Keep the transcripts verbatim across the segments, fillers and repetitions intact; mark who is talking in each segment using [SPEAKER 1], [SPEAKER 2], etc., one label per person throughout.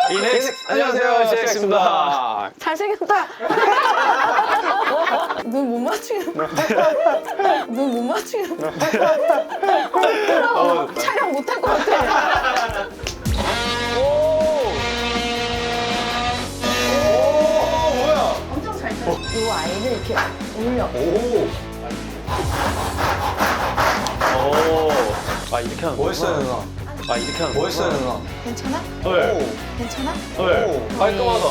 [SPEAKER 1] 이넥스 안녕하세요, 시엑스입니다.
[SPEAKER 2] 잘생겼다. 눈 못 맞추겠네. 눈 못 맞추겠네.
[SPEAKER 1] 어,
[SPEAKER 2] 촬영 못할 것 같아.
[SPEAKER 1] 오, 뭐야?
[SPEAKER 2] 엄청 잘 쳐. 이 아이를 이렇게 올려.
[SPEAKER 1] 오, 오, 아 이렇게 하는
[SPEAKER 3] 멋있어요,
[SPEAKER 1] 거구나.
[SPEAKER 3] 누나.
[SPEAKER 1] 아 이렇게 하는
[SPEAKER 3] 멋있어요,
[SPEAKER 1] 거구나.
[SPEAKER 3] 누나.
[SPEAKER 2] 괜찮아?
[SPEAKER 1] 네,
[SPEAKER 2] 괜찮아?
[SPEAKER 1] 네, 깔끔하다.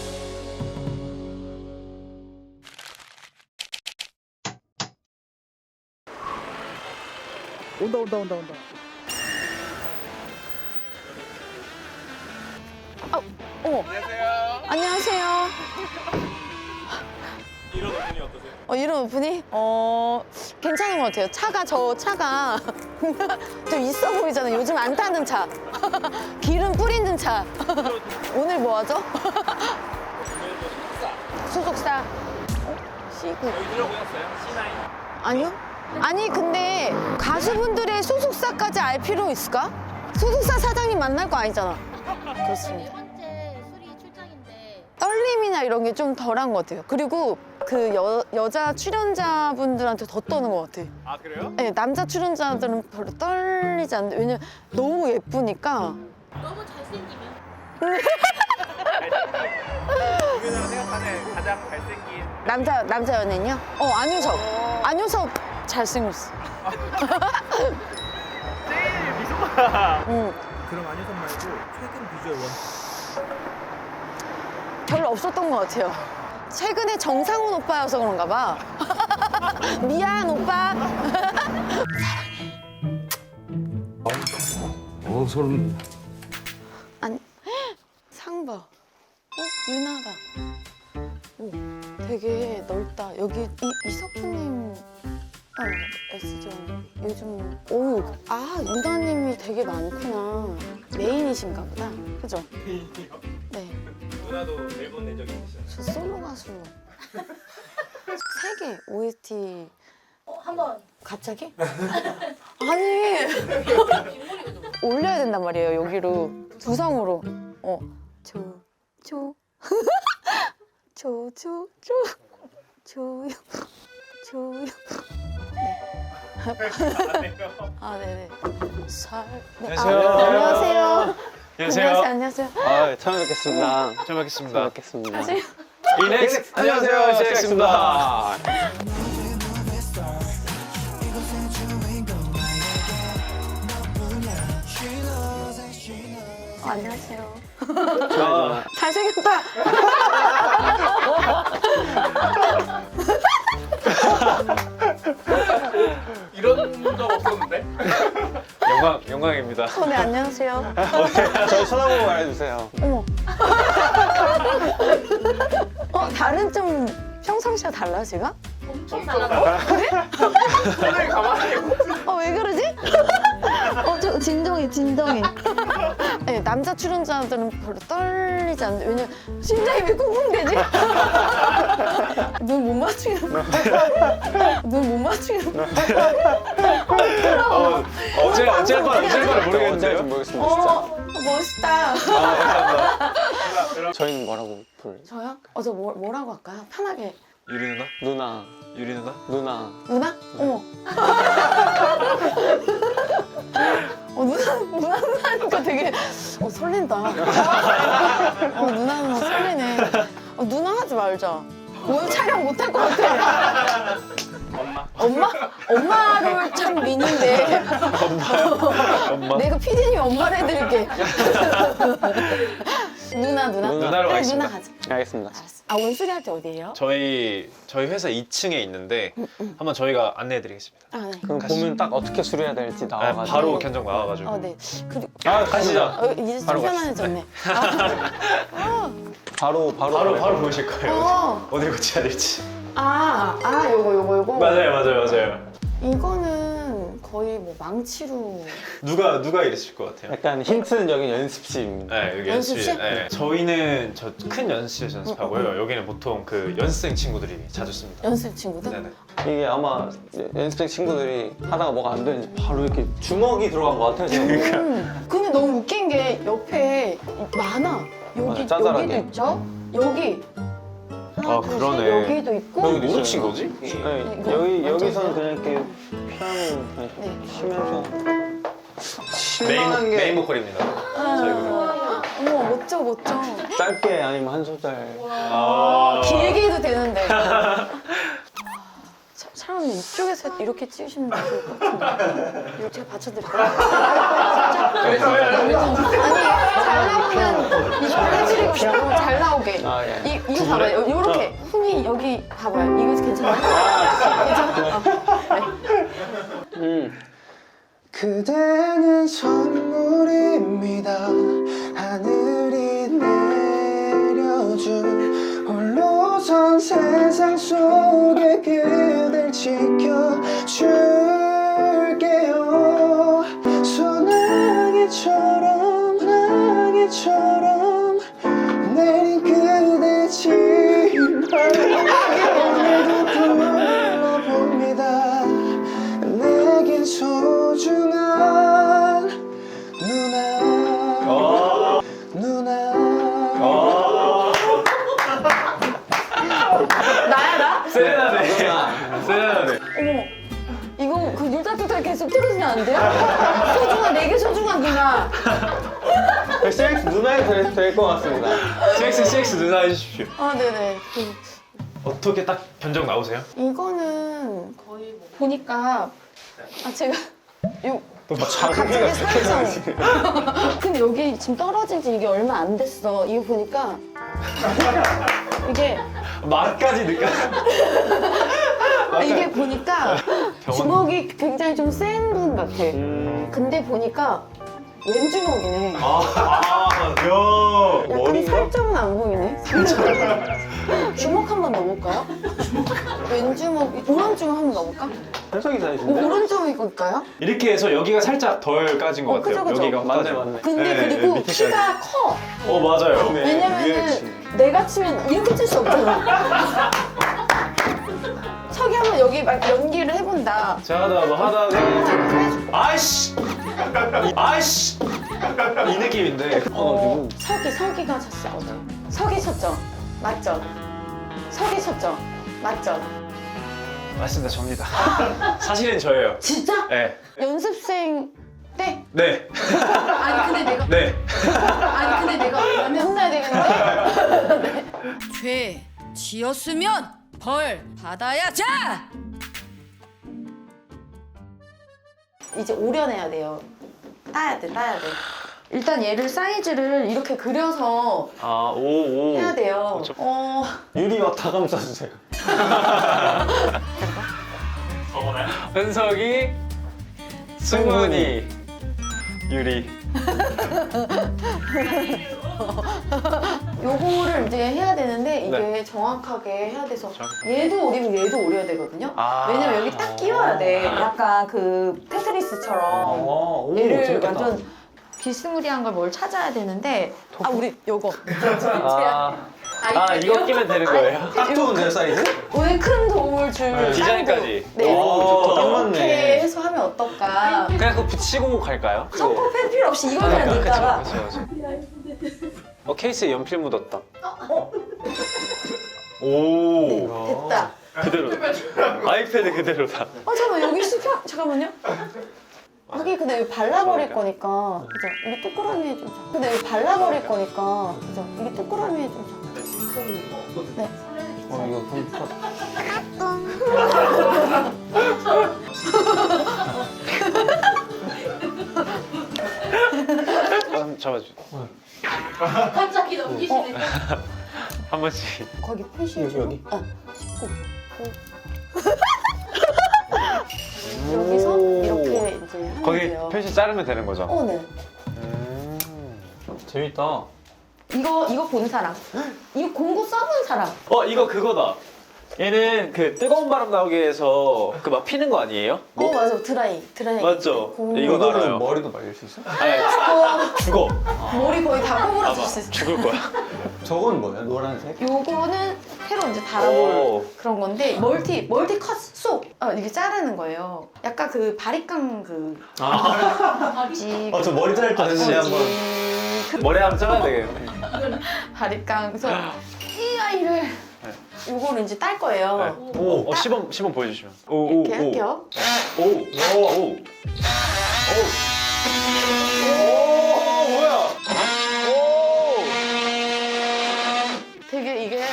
[SPEAKER 4] 온다 온다 온다 온다.
[SPEAKER 2] 어머. 안녕하세요.
[SPEAKER 1] 이런 오픈이 어떠세요?
[SPEAKER 2] 어, 이런 오프닝? 어, 괜찮은 것 같아요. 차가, 저 차가 좀 있어 보이잖아요. 요즘 안 타는 차. 기름 뿌리는 차. 오늘 뭐 하죠? 소속사. 어? 시구.
[SPEAKER 1] 저희 들어보셨어요? 씨나인.
[SPEAKER 2] 아니요? 아니, 근데 가수분들의 소속사까지 알 필요 있을까? 소속사 사장님 만날 거 아니잖아. 그렇습니다.
[SPEAKER 5] 네 번째 수리 출장인데
[SPEAKER 2] 떨림이나 이런 게 좀 덜한 것 같아요. 그리고 그 여, 여자 출연자분들한테 더 떠는 것 같아요.
[SPEAKER 1] 아 그래요?
[SPEAKER 2] 네, 남자 출연자들은 별로 떨리지 않는데 왜냐면 너무 예쁘니까.
[SPEAKER 5] 너무 잘생기면
[SPEAKER 1] 유명한 생각하는 가장 잘생긴.
[SPEAKER 2] 남자 남자 연예인요? 어, 안효섭. 안효섭 잘생겼어.
[SPEAKER 1] 제일 미소가.
[SPEAKER 2] 응.
[SPEAKER 4] 그럼 안효섭 말고 최근 비주얼 원.
[SPEAKER 2] 별로 없었던 것 같아요. 최근에 정상훈 오빠여서 그런가 봐. 미안 오빠.
[SPEAKER 3] 어, 소름.
[SPEAKER 2] 아니 상 봐. 어? 유나다. 오, 되게 넓다. 여기 이, 이석훈님 어, S존 요즘 오, 아 유나님이 되게 많구나. 메인이신가 보다. 그죠? 네.
[SPEAKER 1] 누나도 앨범 낸 적 있으시잖아요.
[SPEAKER 2] 저 솔로 가수 세 개 오에스티
[SPEAKER 5] 어, 한번
[SPEAKER 2] 갑자기? 아니 올려야 된단 말이에요 여기로 두성으로 어 조 조 조 조 조 조요 아 네네 살 네. 아,
[SPEAKER 1] 안녕하세요.
[SPEAKER 2] 안녕하세요
[SPEAKER 1] 안녕하세요.
[SPEAKER 2] 안녕하세요 안녕하세요
[SPEAKER 3] 아, 처음 뵙겠습니다.
[SPEAKER 1] 처음 뵙겠습니다.
[SPEAKER 3] 뵙겠습니다.
[SPEAKER 2] 사실
[SPEAKER 1] 이넥스 안녕하세요, 시엑스입니다.
[SPEAKER 2] 어, 안녕하세요
[SPEAKER 1] 저
[SPEAKER 2] 잘생겼다
[SPEAKER 1] 이런 적 없었는데? 영광 영광입니다.
[SPEAKER 2] 어, 네 안녕하세요
[SPEAKER 3] 저희 쳐다보고 말해주세요.
[SPEAKER 2] 어머. 어, 다른 좀 평상시와 달라, 제가?
[SPEAKER 5] 엄청 달라요.
[SPEAKER 1] 손을 가만히.
[SPEAKER 2] 어, 왜 그러지? 어, 저 진정해, 진정해. 네, 남자 출연자들은 별로 떨리지 않는데, 왜냐면 심장이 왜 쿵쿵대지? 눈 못 맞추겠네. 눈 못 맞추겠네.
[SPEAKER 1] 어, 어제 어제 반 어제 반
[SPEAKER 3] 언제
[SPEAKER 1] 모르겠는데요.
[SPEAKER 3] 모르겠습니다,
[SPEAKER 2] 어, 멋있다.
[SPEAKER 3] 진짜.
[SPEAKER 1] 아 감사합니다.
[SPEAKER 3] 저희는 뭐라고 부르죠?
[SPEAKER 2] 저요? 어, 저 뭐, 뭐라고 할까요? 편하게.
[SPEAKER 1] 유리 누나?
[SPEAKER 3] 누나,
[SPEAKER 1] 유리 누나?
[SPEAKER 3] 누나.
[SPEAKER 2] 누나? 어머. 어, 누나, 누나, 누나 하니까 되게, 어, 설렌다. 어, 누나, 누나 설레네. 어, 누나 하지 말자. 오늘 촬영 못 할 것 같아.
[SPEAKER 1] 엄마.
[SPEAKER 2] 엄마? 엄마를 참 미는데.
[SPEAKER 1] 엄마.
[SPEAKER 2] 내가 피디님 엄마를 해드릴게. 누나, 누나.
[SPEAKER 1] 누나로
[SPEAKER 2] 그래,
[SPEAKER 1] 하겠습니다.
[SPEAKER 2] 누나 가자.
[SPEAKER 3] 알겠습니다.
[SPEAKER 2] 알았어. 아, 오늘 수리할 때 어디예요?
[SPEAKER 1] 저희 저희 회사 이 층에 있는데 한번 저희가 안내해드리겠습니다.
[SPEAKER 2] 아, 네.
[SPEAKER 3] 그럼 보면 딱 어떻게 수리해야 될지
[SPEAKER 1] 네,
[SPEAKER 3] 나와가지고.
[SPEAKER 1] 바로 견적 나와가지고.
[SPEAKER 2] 어, 네. 그리고,
[SPEAKER 3] 아,
[SPEAKER 1] 가시죠.
[SPEAKER 2] 어, 이제 좀
[SPEAKER 3] 바로
[SPEAKER 2] 편안해졌네.
[SPEAKER 3] 바로, 바로.
[SPEAKER 1] 바로 바로 보이실 거예요.
[SPEAKER 2] 어.
[SPEAKER 1] 어디 고쳐야 될지.
[SPEAKER 2] 아, 아, 요거, 요거, 요거.
[SPEAKER 1] 맞아요, 맞아요, 맞아요.
[SPEAKER 2] 이거는 거의 뭐 망치로.
[SPEAKER 1] 누가 누가 이랬을 것 같아요?
[SPEAKER 3] 약간 힌트는 여기 연습실입니다.
[SPEAKER 1] 네, 여기
[SPEAKER 2] 연습실?
[SPEAKER 1] 연습실. 네. 저희는 저 큰 연습실에서 연습하고요. 여기는 보통 그 연습생 친구들이 자주 씁니다.
[SPEAKER 2] 연습 친구들?
[SPEAKER 1] 네네.
[SPEAKER 3] 이게 아마 연습생 친구들이 하다가 뭐가 안 되는지 바로 이렇게 주먹이 들어간 것 같아요, 지금.
[SPEAKER 2] 음, 근데 너무 웃긴 게 옆에 많아. 여기
[SPEAKER 3] 짜잘하게.
[SPEAKER 2] 여기도 있죠? 여기 하나,
[SPEAKER 1] 아,
[SPEAKER 2] 둘, 셋,
[SPEAKER 1] 그러네.
[SPEAKER 2] 여기도 있고
[SPEAKER 3] 여기도
[SPEAKER 1] 뭐로
[SPEAKER 3] 있어요.
[SPEAKER 1] 친 거지?
[SPEAKER 3] 네,
[SPEAKER 2] 이거
[SPEAKER 3] 여기
[SPEAKER 2] 완전
[SPEAKER 3] 여기서는
[SPEAKER 2] 있어요?
[SPEAKER 3] 그냥 이렇게 피아노 그냥
[SPEAKER 2] 네.
[SPEAKER 3] 치면서
[SPEAKER 1] 메인,
[SPEAKER 3] 실망한 게
[SPEAKER 1] 메인 보컬입니다. 저희 그룹.
[SPEAKER 2] 어머 멋져 멋져.
[SPEAKER 3] 짧게 아니면 한 소절.
[SPEAKER 1] 아.
[SPEAKER 2] 길게 해도 되는데. 차- 차라리 이쪽에서 이렇게 찍으시면 좋을 것 같은데. 이거 제가 받쳐드릴까요? 아니 잘 나오면 이거 해드리고 싶고 잘 나오게.
[SPEAKER 3] 아, 예.
[SPEAKER 2] 이, 이거 봐봐요. 이렇게 훈이 여기 봐봐요. 이거 괜찮아요? 괜찮아? 어. 네.
[SPEAKER 3] 음. 그대는 선물입니다. 하늘이 내려준 홀로선 세상 속에 그댈 지켜줄게요. 소나기처럼 나기처럼 내린 그대 지발 오늘도 불러봅니다. 내겐 소중한 누나 누나
[SPEAKER 2] 나야 나?
[SPEAKER 1] 세레나데. 세레나데.
[SPEAKER 2] 어머 이거 그 율다투타 계속 틀어주면 안 돼요? 소중한 내게 소중한 누나.
[SPEAKER 3] 씨엑스 누나에 될것 같습니다.
[SPEAKER 1] 씨엑스 씨엑스 누나 해주십시오.
[SPEAKER 2] 아 네네. 그,
[SPEAKER 1] 어떻게 딱 견적 나오세요?
[SPEAKER 2] 이거는
[SPEAKER 5] 거의 뭐
[SPEAKER 2] 보니까 아 제가 요
[SPEAKER 3] 뭐
[SPEAKER 2] 갑자기 살짝 근데 여기 지금 떨어진 지 이게 얼마 안 됐어. 이거 보니까 이게
[SPEAKER 1] 말까지 느껴.
[SPEAKER 2] 아, 이게 보니까 주먹이 굉장히 좀 센 분 같아.
[SPEAKER 3] 음,
[SPEAKER 2] 근데 보니까 왼주먹이네.
[SPEAKER 1] 아, 야.
[SPEAKER 2] 약간 살점은 안 보이네. 주먹 한 번 넣어볼까요? 왼주먹, 오른쪽 한번 넣어볼까?
[SPEAKER 3] 해석이 다
[SPEAKER 2] 오,
[SPEAKER 3] 있는데?
[SPEAKER 2] 오른쪽일까요?
[SPEAKER 1] 이렇게 해서 여기가 살짝 덜 까진 것
[SPEAKER 2] 어,
[SPEAKER 1] 같아요.
[SPEAKER 2] 그죠, 그죠.
[SPEAKER 1] 여기가
[SPEAKER 3] 맞네
[SPEAKER 1] 까져.
[SPEAKER 3] 맞네.
[SPEAKER 2] 근데
[SPEAKER 1] 네,
[SPEAKER 2] 그리고
[SPEAKER 1] 밑에까지.
[SPEAKER 2] 키가 커.
[SPEAKER 1] 어 맞아요.
[SPEAKER 3] 네, 위에
[SPEAKER 2] 왜냐면은
[SPEAKER 3] 치.
[SPEAKER 2] 내가 치면 이렇게 칠 수 없잖아. 석이 한번 여기 막 연기를 해본다.
[SPEAKER 1] 제가 하다가 뭐 하다가
[SPEAKER 2] 해줘.
[SPEAKER 1] 아이씨 아이씨 이 느낌인데.
[SPEAKER 2] 어, 석이, 석이가 쳤어, 어제. 석이 쳤죠? 맞죠? 석이 쳤죠? 맞죠?
[SPEAKER 1] 맞습니다, 접니다. 사실은 저예요.
[SPEAKER 2] 진짜?
[SPEAKER 1] 네.
[SPEAKER 2] 연습생 때?
[SPEAKER 1] 네.
[SPEAKER 2] 아니, 근데 내가.
[SPEAKER 1] 네.
[SPEAKER 2] 아니, 근데 내가 완전 혼나야 되겠는데?
[SPEAKER 6] 죄 지었으면 벌 받아야죠.
[SPEAKER 2] 이제 오려내야 돼요. 따야 돼, 따야 돼. 일단 얘를 사이즈를 이렇게 그려서
[SPEAKER 3] 아, 오, 오.
[SPEAKER 2] 해야 돼요. 어.
[SPEAKER 3] 유리 막다 감싸주세요.
[SPEAKER 1] 은석이, 승훈이, 유리.
[SPEAKER 2] 요거를 이제 해야 되는데 이게
[SPEAKER 1] 네.
[SPEAKER 2] 정확하게 해야 돼서
[SPEAKER 1] 정확하게.
[SPEAKER 2] 얘도 오리면 얘도 오려야 되거든요.
[SPEAKER 1] 아.
[SPEAKER 2] 왜냐면 여기 딱 끼워야 돼. 약간 그 테트리스처럼
[SPEAKER 3] 어, 오,
[SPEAKER 2] 얘를
[SPEAKER 3] 재밌겠다.
[SPEAKER 2] 완전 비스무리한 걸 뭘 찾아야 되는데 아 우리 요거
[SPEAKER 3] 아,
[SPEAKER 1] 아, 이거 끼면 되는 거예요?
[SPEAKER 3] 딱 좋은데요, 사이즈?
[SPEAKER 2] 오늘 큰 도움을 줄
[SPEAKER 1] 네. 디자인까지.
[SPEAKER 2] 짱구. 네.
[SPEAKER 3] 오, 좋다. 딱
[SPEAKER 2] 이렇게
[SPEAKER 3] 맞네.
[SPEAKER 2] 해서 하면 어떨까?
[SPEAKER 1] 그냥 그거 붙이고 갈까요?
[SPEAKER 2] 점퍼 펜 필요 없이 이걸 그냥 넣다가
[SPEAKER 1] 그쵸, 그쵸, 그쵸. 어, 케이스에 연필 묻었다. 오.
[SPEAKER 2] 네, 됐다.
[SPEAKER 1] 그대로다. 아이패드 그대로다.
[SPEAKER 2] 아 잠깐 여기 씹혀 잠깐만요. 여기 근데 여기 발라버릴 거니까 그죠? 이게 동그라미 해주자. 근데 여기 발라버릴 거니까 그죠? 이게 동그라미 해주자. 네.
[SPEAKER 3] 어, 이거 좀
[SPEAKER 1] 한번 잡아줘.
[SPEAKER 5] 갑자기 넘기시네.
[SPEAKER 1] 한 번씩.
[SPEAKER 2] 거기 표시
[SPEAKER 3] 여기, 여기?
[SPEAKER 2] 어. 씻고. 여기서 이렇게 이제 하면
[SPEAKER 1] 거기
[SPEAKER 2] 돼요.
[SPEAKER 1] 표시 자르면 되는 거죠?
[SPEAKER 2] 어, 네.
[SPEAKER 1] 음.
[SPEAKER 3] 재밌다.
[SPEAKER 2] 이거 이거 본 사람. 이거 공구 써본 사람.
[SPEAKER 1] 어, 이거 그거다. 얘는 그 뜨거운 바람 나오게 해서 그 막 피는 거 아니에요?
[SPEAKER 2] 어 맞아 드라이 드라이.
[SPEAKER 1] 맞죠?
[SPEAKER 2] 공구.
[SPEAKER 1] 이거
[SPEAKER 3] 이거는
[SPEAKER 1] 알아요.
[SPEAKER 3] 머리도 말릴 수 있어?
[SPEAKER 1] 아니,
[SPEAKER 2] 어,
[SPEAKER 1] 죽어.
[SPEAKER 2] 머리 거의 다
[SPEAKER 1] 아마
[SPEAKER 2] 꼬부라질 수 있어.
[SPEAKER 1] 죽을 거야.
[SPEAKER 3] 저건 뭐야? 노란색?
[SPEAKER 2] 요거는 새로 이제 달아볼
[SPEAKER 1] 오.
[SPEAKER 2] 그런 건데 멀티 멀티 컷 쏙. 어, 이게 자르는 거예요. 약간 그 바리깡 그
[SPEAKER 3] 아,
[SPEAKER 2] 지.
[SPEAKER 3] 어, 저 머리 자를 때
[SPEAKER 1] 아,
[SPEAKER 3] 했는데
[SPEAKER 1] 진짜?
[SPEAKER 3] 한번.
[SPEAKER 1] 머리 한번 잘라야 되겠네.
[SPEAKER 2] 바리깡. 그래서 이 아이를 요거를 이제 딸 거예요.
[SPEAKER 1] 네. 오, 어, 시범 시범 보여주시면. 오, 오,
[SPEAKER 2] 이렇게 할게요.
[SPEAKER 1] 오, 오, 오, 오, 오, 뭐야? 오,
[SPEAKER 2] 되게 이게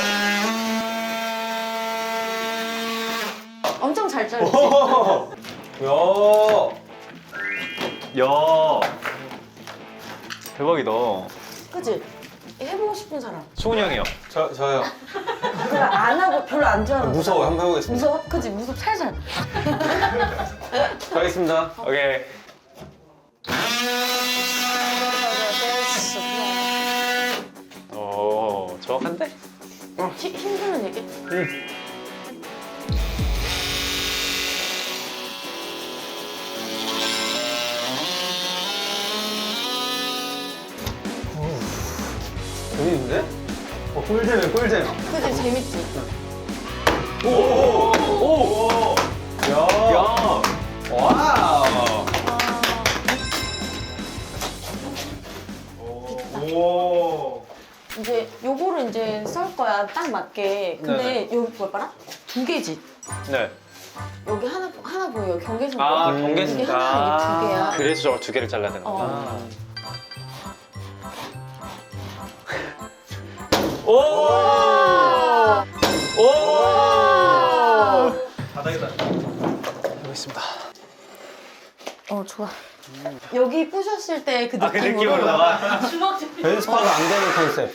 [SPEAKER 2] 엄청 잘 잘리지?
[SPEAKER 1] 야, 야, 대박이다.
[SPEAKER 2] 그치? 해보고 싶은 사람.
[SPEAKER 1] 수훈이 형이요.
[SPEAKER 3] 저, 저요.
[SPEAKER 2] 별로 안 하고 별로 안 좋아하는
[SPEAKER 3] 무서워요. 한번 해보겠습니다.
[SPEAKER 2] 무서워? 그치? 무섭 살살.
[SPEAKER 3] 가겠습니다.
[SPEAKER 1] 오케이. 오, 정확한데?
[SPEAKER 2] 힘- 힘들면 얘기.
[SPEAKER 3] 재밌는데? 어, 꿀잼이야, 꿀잼.
[SPEAKER 2] 그치? 재밌지?
[SPEAKER 1] 오, 오, 오, 야, 야, 와우. 오.
[SPEAKER 2] 이제 요거를 이제 썰 거야. 딱 맞게. 근데 여기 뭘 봐라? 두 개지?
[SPEAKER 1] 네.
[SPEAKER 2] 여기 하나 하나 보여. 경계선
[SPEAKER 1] 아,
[SPEAKER 2] 보여?
[SPEAKER 1] 경계선.
[SPEAKER 2] 이게 하나, 이게 두 개야.
[SPEAKER 1] 그래서 저걸 두 개를 잘라야 되는 거구나.
[SPEAKER 2] 어.
[SPEAKER 1] 오! 오!
[SPEAKER 4] 바닥에다.
[SPEAKER 1] 해보겠습니다.
[SPEAKER 2] 어 좋아. 여기 부셨을 때 그 느낌으로.
[SPEAKER 1] 아, 그 느낌으로 나와.
[SPEAKER 5] 주먹 좀.
[SPEAKER 3] 연습하면 안 되는 컨셉.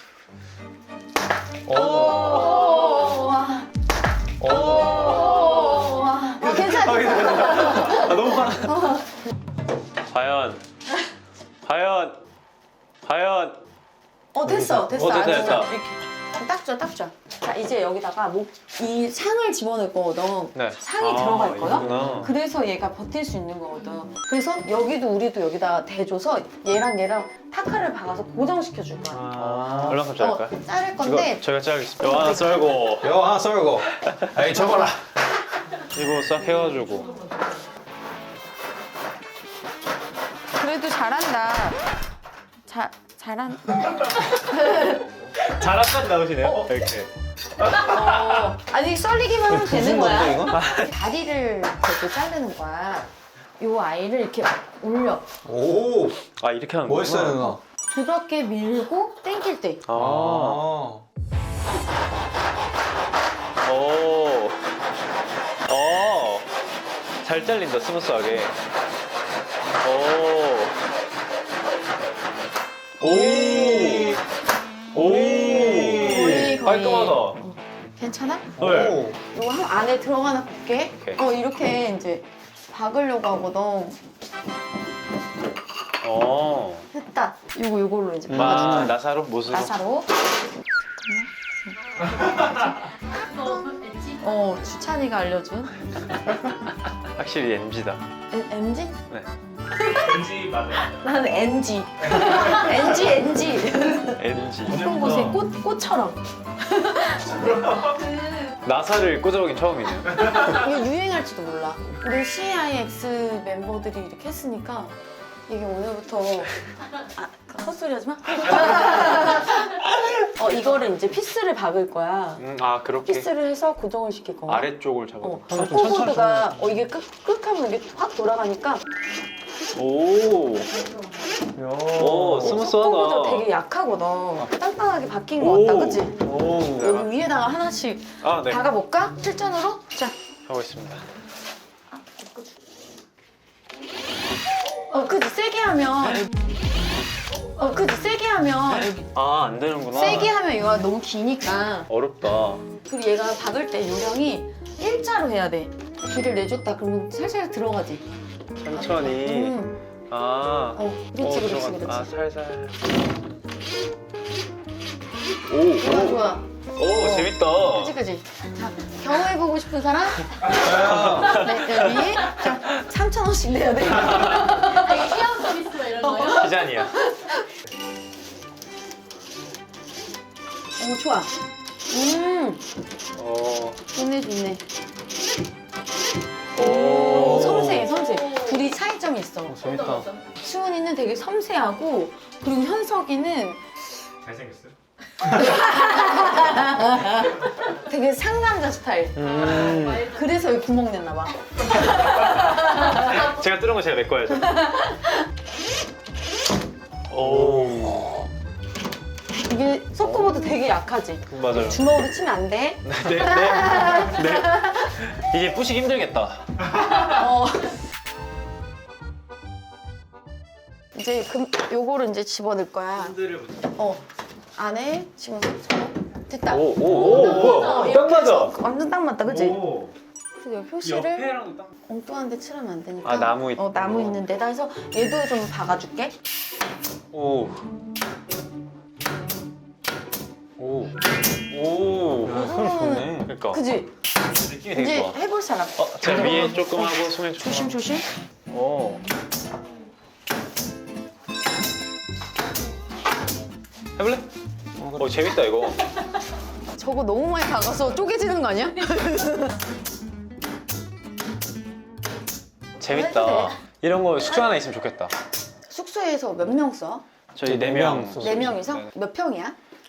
[SPEAKER 2] 오, 와.
[SPEAKER 1] 오.
[SPEAKER 2] 오, 와. 어, 괜찮아.
[SPEAKER 1] 아, 너무 빨라. 과연, 과연, 과연.
[SPEAKER 2] 어 됐어, 됐어.
[SPEAKER 1] 어, 됐다,
[SPEAKER 2] 아주
[SPEAKER 1] 됐다.
[SPEAKER 2] 이렇게. 딱 좋아, 딱 좋아. 자 이제 여기다가 목, 이 상을 집어넣을 거거든.
[SPEAKER 1] 네.
[SPEAKER 2] 상이
[SPEAKER 1] 아,
[SPEAKER 2] 들어갈 거야.
[SPEAKER 1] 이거구나.
[SPEAKER 2] 그래서 얘가 버틸 수 있는 거거든. 그래서 여기도 우리도 여기다 대줘서 얘랑 얘랑 타카를 박아서 고정시켜 줄 거야.
[SPEAKER 1] 아, 얼마큼 자를까요?
[SPEAKER 2] 어, 자를 건데
[SPEAKER 1] 이거 저희가 자르겠습니다. 와, 썰고.
[SPEAKER 3] 여 하나 썰고. 에이, 접어라.
[SPEAKER 1] 이거 싹 해가지고.
[SPEAKER 2] 그래도 잘한다. 자, 잘한.
[SPEAKER 1] 자락까지 나오시네요. 어? 이렇게.
[SPEAKER 2] 어, 아니 썰리기만 하면 되는
[SPEAKER 3] 무슨 건데,
[SPEAKER 2] 거야.
[SPEAKER 3] 이거?
[SPEAKER 2] 다리를 이렇게 자르는 거야. 요 아이를 이렇게 올려.
[SPEAKER 3] 오,
[SPEAKER 1] 아, 이렇게 하는 거구나.
[SPEAKER 3] 멋있어요, 누나.
[SPEAKER 2] 부드럽게 밀고 당길 때.
[SPEAKER 1] 아.
[SPEAKER 3] 아.
[SPEAKER 1] 오. 어. 잘 잘린다, 스무스하게. 오. 오. 오.
[SPEAKER 2] 거의, 거의.
[SPEAKER 1] 깔끔하다.
[SPEAKER 2] 괜찮아?
[SPEAKER 1] 네.
[SPEAKER 2] 이거 한 안에 들어가나 볼게.
[SPEAKER 1] 오케이.
[SPEAKER 2] 어 이렇게 이제 박으려고 하거든.
[SPEAKER 1] 어.
[SPEAKER 2] 됐다. 요거 요걸로 이제 박아줄
[SPEAKER 1] 아,
[SPEAKER 2] 거야.
[SPEAKER 1] 나사로? 못으로?
[SPEAKER 2] 나사로.
[SPEAKER 5] 너 왠지
[SPEAKER 2] 어 주찬이가 알려준.
[SPEAKER 1] 확실히 엠지다.
[SPEAKER 2] 엠지?
[SPEAKER 1] 네.
[SPEAKER 4] 왠지 맞아.
[SPEAKER 2] 나는 엔지. 엔지 엔지.
[SPEAKER 1] 엠지.
[SPEAKER 2] 예쁜 곳에 꽃 꽃처럼.
[SPEAKER 1] 나사를 꽂아보긴 처음이네요.
[SPEAKER 2] 이게 유행할지도 몰라. 우리 씨아이엑스 멤버들이 이렇게 했으니까 이게 오늘부터 아 헛소리 하지 마. 어 이거를 이제 피스를 박을 거야.
[SPEAKER 1] 음, 아, 그렇게?
[SPEAKER 2] 피스를 해서 고정을 시킬 거야.
[SPEAKER 1] 아래쪽을 잡아.
[SPEAKER 2] 어, 코보드가 어 이게 끄, 끄 하면 이게 확 돌아가니까
[SPEAKER 1] 오. 오, 스무스하다.
[SPEAKER 2] 코보드 되게 약하거든. 땅땅하게 박힌 거 같다, 그치?
[SPEAKER 1] 오.
[SPEAKER 2] 여기 위에다가 하나씩
[SPEAKER 1] 아, 네.
[SPEAKER 2] 박아볼까? 실전으로? 자,
[SPEAKER 1] 하고 있습니다.
[SPEAKER 2] 어 그치? 세게 하면 어 그치? 세게 하면 여기
[SPEAKER 1] 아, 안 되는구나.
[SPEAKER 2] 세게 하면 이거 너무 기니까
[SPEAKER 1] 어렵다.
[SPEAKER 2] 그리고 얘가 박을 때 요령이 일자로 해야 돼. 길을 내줬다 그러면 살살 들어가지.
[SPEAKER 1] 천천히.
[SPEAKER 2] 음.
[SPEAKER 1] 아.
[SPEAKER 2] 어, 그렇지,
[SPEAKER 1] 어,
[SPEAKER 2] 그렇지,
[SPEAKER 1] 들어간다.
[SPEAKER 2] 그렇지.
[SPEAKER 1] 아, 살살. 오.
[SPEAKER 2] 좋아,
[SPEAKER 1] 오.
[SPEAKER 2] 좋아.
[SPEAKER 1] 오, 재밌다.
[SPEAKER 2] 그치, 그치. 자, 경험해보고 싶은 사람? 네, 여기. 자, 삼천 원씩 내야 돼.
[SPEAKER 5] 되게 시험 서비스 이런 거요?
[SPEAKER 1] 기잔이야.
[SPEAKER 2] 오, 좋아. 음,
[SPEAKER 1] 오.
[SPEAKER 2] 좋네, 좋네.
[SPEAKER 1] 오.
[SPEAKER 2] 섬세해, 섬세. 둘이 차이점이 있어. 있어.
[SPEAKER 3] 재밌다.
[SPEAKER 2] 수은이는 되게 섬세하고 그리고 현석이는
[SPEAKER 4] 잘생겼어요?
[SPEAKER 2] 되게 상남자 스타일.
[SPEAKER 3] 음.
[SPEAKER 2] 그래서 여기 구멍 냈나 봐.
[SPEAKER 1] 제가 뚫은 거 제가 메꿔야죠. 오.
[SPEAKER 2] 이게 소코보드 되게 약하지?
[SPEAKER 1] 맞아요.
[SPEAKER 2] 주먹으로 치면 안 돼.
[SPEAKER 1] 네, 네, 네. 이제 부시기 힘들겠다.
[SPEAKER 2] 어. 이제 금, 요거를 이제 집어넣을 거야.
[SPEAKER 4] 핸들을 붙여.
[SPEAKER 2] 어. 안에 지금 저 됐다.
[SPEAKER 1] 오, 오, 오, 뭐야?
[SPEAKER 2] 어,
[SPEAKER 1] 딱
[SPEAKER 2] 이렇게
[SPEAKER 1] 맞아.
[SPEAKER 2] 해서 완전 딱 맞다, 그치?
[SPEAKER 4] 오.
[SPEAKER 2] 그래서 여기 표시를
[SPEAKER 4] 옆에랑 딱.
[SPEAKER 2] 엉뚱한데 칠하면 안 되니까.
[SPEAKER 1] 아, 나무 있-
[SPEAKER 2] 어, 나무 있는 데다 해서 얘도 좀 박아줄게.
[SPEAKER 1] 오. 오. 오.
[SPEAKER 3] 야, 소리 좋네.
[SPEAKER 1] 그러니까.
[SPEAKER 2] 그지?
[SPEAKER 1] 느낌이 되게
[SPEAKER 2] 이제
[SPEAKER 1] 좋아.
[SPEAKER 2] 해볼 사람.
[SPEAKER 1] 어, 제가 위에 조금 하고 손에 조금.
[SPEAKER 2] 조심, 조심.
[SPEAKER 1] 오. 해볼래? 어, 재밌다 이거.
[SPEAKER 2] 저거 너무 많이 박아서 쪼개지는 거 아니야?
[SPEAKER 1] 재밌다. 이런 거 숙소 하나 있으면 좋겠다.
[SPEAKER 2] 숙소에서 몇 명 써?
[SPEAKER 1] 저희
[SPEAKER 3] 네
[SPEAKER 1] 네 명.
[SPEAKER 3] 명.
[SPEAKER 2] 네 명이서?
[SPEAKER 1] 네.
[SPEAKER 2] 몇 평이야?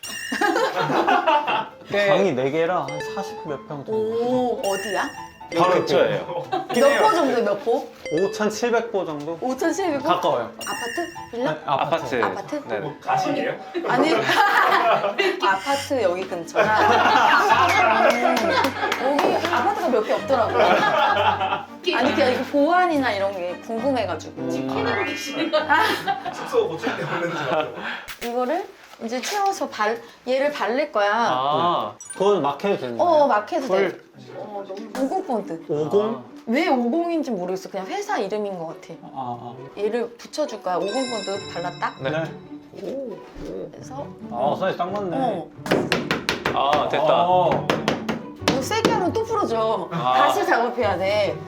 [SPEAKER 3] 방이 네 개라 한 사십 몇 평 정도.
[SPEAKER 2] 오, 어디야?
[SPEAKER 1] 바로 근처예요.
[SPEAKER 2] 몇 포 정도 몇 포?
[SPEAKER 3] 오천칠백 보 정도?
[SPEAKER 2] 오천칠백 포?
[SPEAKER 3] 가까워요.
[SPEAKER 2] 아파트? 빌라?
[SPEAKER 3] 네,
[SPEAKER 1] 아파트.
[SPEAKER 2] 아파트?
[SPEAKER 1] 네.
[SPEAKER 4] 뭐 가식이에요?
[SPEAKER 2] 아니 아파트 여기 근처라 음, 여기 아파트가 몇 개 없더라고. 아니 그냥 이거 보안이나 이런 게 궁금해가지고
[SPEAKER 5] 치킨으로 계시는 거야?
[SPEAKER 4] 숙소 고칠 때 보는지 맞죠?
[SPEAKER 2] 이거를 이제 채워서 발 얘를 바를 거야.
[SPEAKER 1] 아.
[SPEAKER 3] 그건 막 해도 되는 거예요?
[SPEAKER 2] 어 막 해도 돼.
[SPEAKER 1] 헐.
[SPEAKER 5] 어 너무
[SPEAKER 2] 오공 폰트.
[SPEAKER 3] 오공?
[SPEAKER 2] 왜 오공인지 모르겠어. 그냥 회사 이름인 것 같아.
[SPEAKER 3] 아,
[SPEAKER 2] 얘를 붙여줄 거야. 오공 폰트 발랐다.
[SPEAKER 3] 아. 네.
[SPEAKER 2] 그래서
[SPEAKER 3] 아, 사이즈 딱 맞네.
[SPEAKER 2] 어
[SPEAKER 1] 아, 됐다.
[SPEAKER 3] 아,
[SPEAKER 2] 이거 세게 하면 또 부러져.
[SPEAKER 1] 아.
[SPEAKER 2] 다시 작업해야 돼.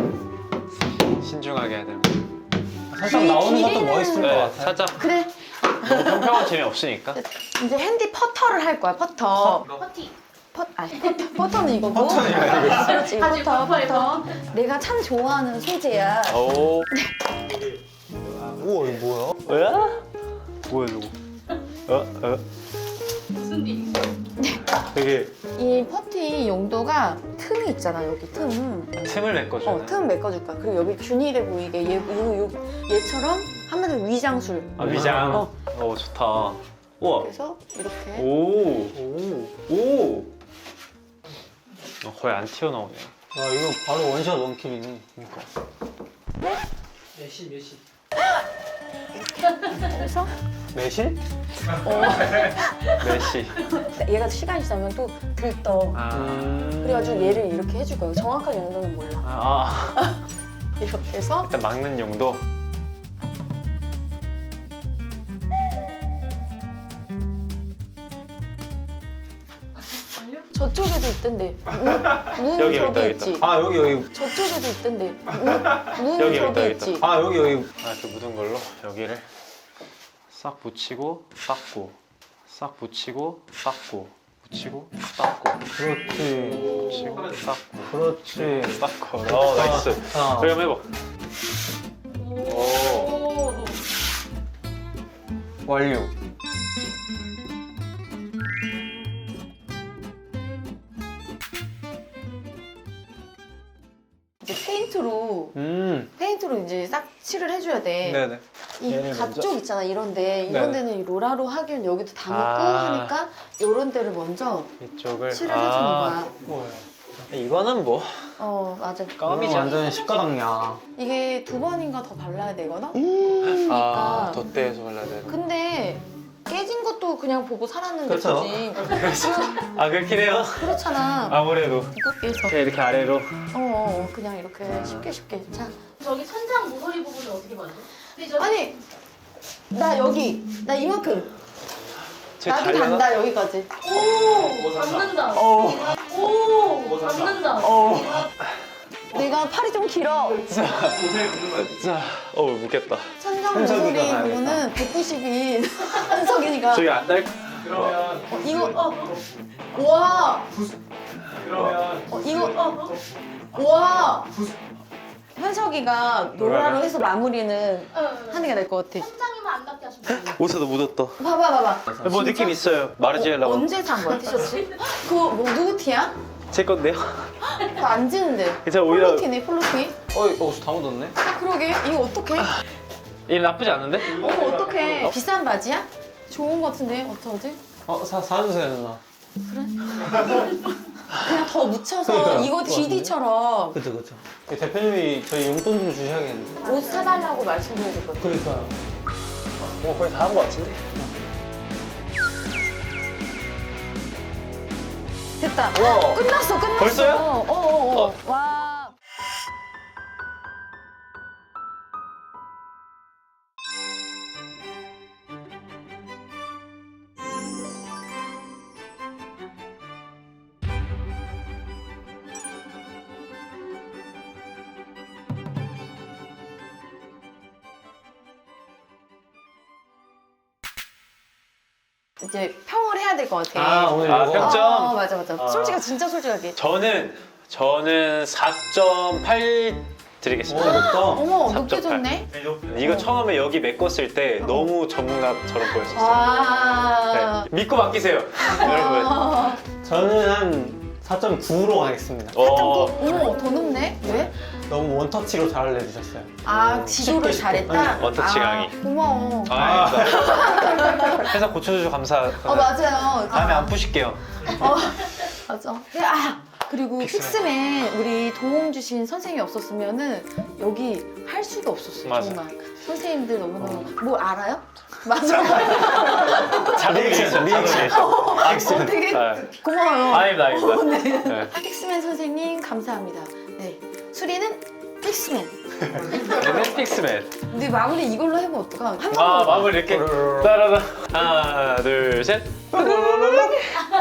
[SPEAKER 1] 신중하게 해야 되는
[SPEAKER 3] 살짝
[SPEAKER 2] 기-
[SPEAKER 3] 나오는 것도
[SPEAKER 2] 길이는-
[SPEAKER 3] 멋있을 것
[SPEAKER 1] 네,
[SPEAKER 3] 같아요.
[SPEAKER 1] 살짝
[SPEAKER 2] 그래.
[SPEAKER 1] 너무 평평한 재미없으니까.
[SPEAKER 2] 이제 핸디 퍼터를 할 거야. 퍼터.
[SPEAKER 5] 퍼티.
[SPEAKER 2] 퍼, 아니, 퍼터, 퍼터는 이거고.
[SPEAKER 3] 퍼터는 이거.
[SPEAKER 2] 그렇지,
[SPEAKER 5] 아직
[SPEAKER 2] 퍼터,
[SPEAKER 5] 퍼터예요.
[SPEAKER 2] 퍼터. 내가 참 좋아하는 소재야.
[SPEAKER 1] 오.
[SPEAKER 3] 우와, 이거 뭐야?
[SPEAKER 1] 뭐야? 뭐야 저거? 어? 어?
[SPEAKER 5] 무슨 일이
[SPEAKER 1] 되게
[SPEAKER 2] 이 퍼티 용도가 틈이 있잖아, 여기 틈.
[SPEAKER 1] 틈을 메꿔주는.
[SPEAKER 2] 어, 틈 메꿔줄 거야. 그리고 여기 균일해 보이게 얘, 요, 요, 얘처럼 한마디로 위장술.
[SPEAKER 1] 아, 위장.
[SPEAKER 2] 어.
[SPEAKER 1] 어, 좋다. 우와.
[SPEAKER 2] 그래서 이렇게.
[SPEAKER 1] 오. 오. 오. 어, 거의 안 튀어나오네.
[SPEAKER 3] 아, 이거 바로 원샷 원킬이네.
[SPEAKER 1] 그러니까.
[SPEAKER 4] 몇시 몇시?
[SPEAKER 2] 그래서
[SPEAKER 3] 매실?
[SPEAKER 1] 메시.
[SPEAKER 2] 얘가 시간이 지나면 또 들떠.
[SPEAKER 1] 아.
[SPEAKER 2] 그래가지고 얘를 이렇게 해줄 거야. 정확한 용도는 몰라.
[SPEAKER 1] 아.
[SPEAKER 2] 이렇게 해서
[SPEAKER 1] 일단 막는 용도.
[SPEAKER 2] 저쪽에도 있던데. 문, 문
[SPEAKER 1] 여기,
[SPEAKER 2] 저기
[SPEAKER 1] 여기
[SPEAKER 2] 있지.
[SPEAKER 3] 아, 여기, 여기.
[SPEAKER 2] 저쪽에도 있던데. 문, 문
[SPEAKER 1] 여기,
[SPEAKER 2] 저기
[SPEAKER 1] 여기
[SPEAKER 2] 있지.
[SPEAKER 3] 아, 여기, 여기.
[SPEAKER 1] 아, 이렇게 묻은 걸로 여기를 싹 붙이고 닦고 싹 붙이고 닦고 붙이고 닦고
[SPEAKER 3] 그렇지.
[SPEAKER 1] 붙이고 닦고
[SPEAKER 3] 그렇지.
[SPEAKER 1] 닦고. 어, 나이스.
[SPEAKER 3] 자,
[SPEAKER 1] 저희 한번 해봐.
[SPEAKER 5] 오.
[SPEAKER 3] 완료.
[SPEAKER 2] 이제 페인트로
[SPEAKER 3] 음.
[SPEAKER 2] 페인트로 이제 싹 칠을 해줘야 돼.
[SPEAKER 1] 네네.
[SPEAKER 2] 이
[SPEAKER 3] 얘를
[SPEAKER 2] 가쪽 있잖아 이런데 이런
[SPEAKER 1] 네.
[SPEAKER 2] 데는 이 로라로 하기엔 여기도 다 묻고
[SPEAKER 1] 아.
[SPEAKER 2] 하니까 이런 데를 먼저
[SPEAKER 1] 이쪽을
[SPEAKER 2] 칠을 해주는 거야.
[SPEAKER 3] 뭐야?
[SPEAKER 1] 이거는 뭐
[SPEAKER 2] 어 맞아.
[SPEAKER 3] 이건
[SPEAKER 1] 껌이죠.
[SPEAKER 3] 완전 십가닥이야.
[SPEAKER 2] 이게 두 번인가 더 발라야 되거든.
[SPEAKER 1] 아, 덧대해서 발라야 되는.
[SPEAKER 2] 근데 깨진 것도 그냥 보고 살았는데
[SPEAKER 3] 그쵸.
[SPEAKER 2] 그지?
[SPEAKER 1] 아, 그렇긴 해요.
[SPEAKER 2] 그렇잖아.
[SPEAKER 1] 아무래도
[SPEAKER 2] 이렇게 해서
[SPEAKER 1] 이렇게, 이렇게 아래로.
[SPEAKER 2] 어, 어 그냥 이렇게 쉽게 쉽게 자.
[SPEAKER 5] 저기 천장 모서리 부분은 어떻게 맞죠? 근데 저
[SPEAKER 2] 아니 나 여기 나 이만큼
[SPEAKER 1] 제
[SPEAKER 2] 나도
[SPEAKER 1] 다리가-
[SPEAKER 2] 단다 여기까지.
[SPEAKER 5] 오 잡는다. 오 잡는다.
[SPEAKER 2] 내가 팔이 좀 길어.
[SPEAKER 1] 자, 어, 묻겠다.
[SPEAKER 2] 천장
[SPEAKER 3] 현석이가
[SPEAKER 2] 모서리
[SPEAKER 3] 가야겠다.
[SPEAKER 2] 부분은 백구십이 현석이니까.
[SPEAKER 1] 저기 안 달.
[SPEAKER 4] 그러면
[SPEAKER 2] 이거 어. 와.
[SPEAKER 4] 그러면
[SPEAKER 2] 어, 이거 어. 와. 현석이가 노라로 해서 마무리는 하는 게 나을 것 같아.
[SPEAKER 5] 천장에만 안 닿게 하시면 돼요.
[SPEAKER 1] 옷에도 묻었다.
[SPEAKER 2] 봐봐 봐봐.
[SPEAKER 1] 뭐 느낌 있어요. 마르지엘라.
[SPEAKER 2] 어, 언제 산 거야 티셔츠? 그거 뭐 누구 티야?
[SPEAKER 1] 제 건데요.
[SPEAKER 2] 나 안 지는데.
[SPEAKER 1] 제가 오히려
[SPEAKER 2] 폴로티네 폴로티.
[SPEAKER 3] 어, 어, 다 묻었네.
[SPEAKER 2] 아 그러게 이거 어떡해?
[SPEAKER 1] 이 나쁘지 않은데?
[SPEAKER 2] 어머 어떡해. 비싼 바지야? 좋은 거 같은데 어떡하지?
[SPEAKER 3] 어, 사, 사주세요, 누나.
[SPEAKER 2] 그냥 더 묻혀서
[SPEAKER 3] 그러니까요.
[SPEAKER 2] 이거 디디처럼
[SPEAKER 3] 그쵸, 그쵸. 대표님이 저희 용돈 좀 주셔야겠는데.
[SPEAKER 2] 옷 사달라고 말씀드려야 될 것 같아.
[SPEAKER 3] 그러니까요.
[SPEAKER 1] 뭐 거의 다 한 거 같은데.
[SPEAKER 2] 됐다. 와. 끝났어 끝났어.
[SPEAKER 1] 벌써요?
[SPEAKER 2] 어어어. 와. 이제 평을 해야 될 것 같아.
[SPEAKER 3] 아, 오늘
[SPEAKER 1] 아,
[SPEAKER 3] 이거.
[SPEAKER 1] 평점?
[SPEAKER 2] 어, 맞아 맞아.
[SPEAKER 1] 아.
[SPEAKER 2] 솔직하 진짜 솔직하게.
[SPEAKER 1] 저는 저는 사 점 팔
[SPEAKER 3] 오,
[SPEAKER 1] 드리겠습니다.
[SPEAKER 3] 높다.
[SPEAKER 2] 어머
[SPEAKER 1] 삼
[SPEAKER 2] 높게
[SPEAKER 1] 점 팔.
[SPEAKER 2] 줬네.
[SPEAKER 1] 이거 처음에 여기 메꿨을 때 너무 전문가처럼 보였었어요.
[SPEAKER 2] 와.
[SPEAKER 1] 네. 믿고 맡기세요, 여러분.
[SPEAKER 2] 아.
[SPEAKER 3] 저는 한 사 점 구로 가겠습니다.
[SPEAKER 1] 어,
[SPEAKER 2] 어머 더 높네. 왜?
[SPEAKER 3] 너무 원터치로 잘 내주셨어요.
[SPEAKER 2] 아 지조를
[SPEAKER 3] 쉽게,
[SPEAKER 2] 잘했다.
[SPEAKER 1] 쉽게. 원터치
[SPEAKER 2] 아,
[SPEAKER 1] 강의.
[SPEAKER 2] 고마워.
[SPEAKER 1] 아, 회사 고쳐주셔서 감사합니다.
[SPEAKER 2] 어 맞아요.
[SPEAKER 1] 다음에
[SPEAKER 2] 아,
[SPEAKER 1] 안 푸실게요.
[SPEAKER 2] 어, 맞아. 네, 아 그리고 픽스맨 우리 도움 주신 선생님이 없었으면은 여기 할 수가 없었어요.
[SPEAKER 1] 맞아.
[SPEAKER 2] 정말 선생님들 너무너무 뭐 알아요? 맞아.
[SPEAKER 1] 리액션, 리액션.
[SPEAKER 2] 어, 되게
[SPEAKER 1] 네.
[SPEAKER 2] 고마워요.
[SPEAKER 1] 아닙니다, 아닙니다.
[SPEAKER 2] 어, 네.
[SPEAKER 1] 네.
[SPEAKER 2] 픽스맨 선생님 감사합니다. 네. 수리는 픽스맨.
[SPEAKER 1] 우리는 픽스맨.
[SPEAKER 2] 근데 마무리 이걸로 해보면 어떡하? 한 번.
[SPEAKER 1] 아, 마무리 이렇게. 따라라. 하나, 둘, 셋.